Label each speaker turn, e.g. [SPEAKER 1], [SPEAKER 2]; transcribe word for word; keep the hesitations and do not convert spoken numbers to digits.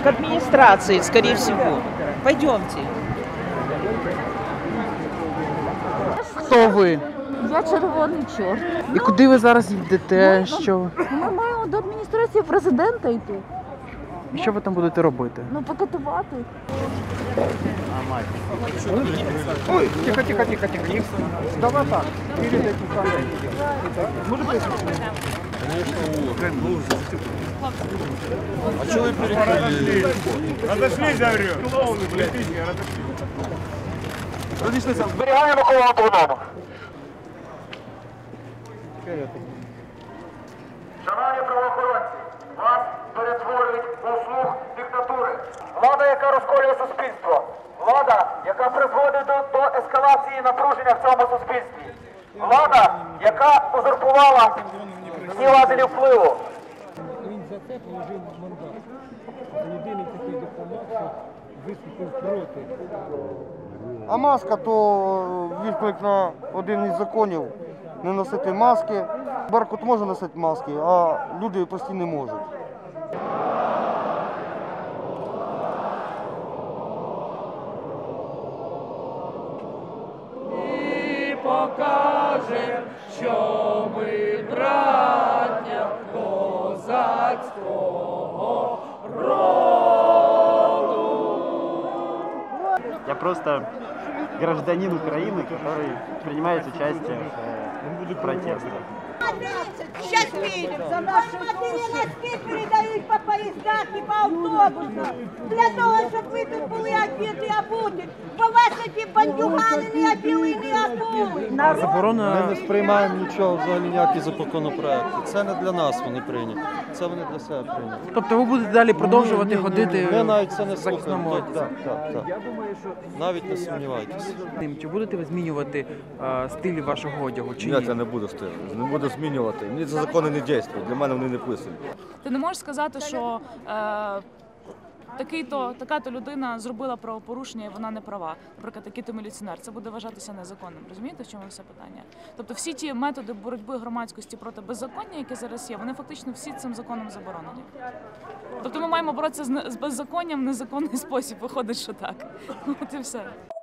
[SPEAKER 1] к администрации, скорее всего. Пойдемте.
[SPEAKER 2] Хто ви?
[SPEAKER 3] Я червоний чорт.
[SPEAKER 2] І куди ви зараз йдете? Що?
[SPEAKER 3] Ми маємо до адміністрації президента йти.
[SPEAKER 2] І що ви там будете робити?
[SPEAKER 3] Ну, покатувати.
[SPEAKER 4] Ой, тихо, тихо, тихо, тихо. Не... Давай так. Перед этим самым. Может быть?
[SPEAKER 5] А что вы перекрыли?
[SPEAKER 4] Разошлись, говорю. Клоуны, блядь.
[SPEAKER 5] Разошлись.
[SPEAKER 4] Зберігаємо коло по-новому. Шановні правоохоронці, вас перетворюють у слуг диктатури. Влада, яка розколює суспільство. Влада, яка призводить до, до ескалації напруження в цьому суспільстві. Влада, яка узурпувала всі лазері впливу.
[SPEAKER 6] Він за це положив мандат. Єдиний такий дипломат, що виступив проти.
[SPEAKER 7] А маска то відклик на один із законів не носити маски. Беркут може носити маски, а люди прості не можуть.
[SPEAKER 8] І покажем, що ми браття козацького роду.
[SPEAKER 9] Я просто гражданин Украины, который принимает участие в протестах.
[SPEAKER 10] Сейчас видим, посмотрели, носки передают по поездах и по автобусам. Для того, чтобы вы тут были одеты и обуты. Бо вас эти бандюганы не одели, не обули.
[SPEAKER 2] Заборона.
[SPEAKER 5] Ми не сприймаємо нічого, взагалі ніякі законопроекти. Це не для нас вони прийняті, це вони для себе прийняті.
[SPEAKER 2] Тобто ви будете далі продовжувати
[SPEAKER 5] Ні, ні, ні,
[SPEAKER 2] ходити
[SPEAKER 5] ми навіть це не
[SPEAKER 2] в захисному
[SPEAKER 5] слухаємо.
[SPEAKER 2] одязі?
[SPEAKER 5] Так, так, так. Навіть не сумнівайтеся.
[SPEAKER 2] Чи будете ви змінювати е, стиль вашого одягу? Чи
[SPEAKER 11] Ні,
[SPEAKER 2] ні?
[SPEAKER 11] я не буду стилю, не буду змінювати. Мені ці закони не діють, для мене вони не писані.
[SPEAKER 12] Ти не можеш сказати, що е, такий-то, така-то людина зробила правопорушення і вона не права. Наприклад, такий-то міліціонер. Це буде вважатися незаконним. Розумієте, в чому все питання? Тобто всі ті методи боротьби громадськості проти беззаконня, які зараз є, вони фактично всі цим законом заборонені. Тобто ми маємо боротися з беззаконням в незаконний спосіб. Виходить, що так. От і все.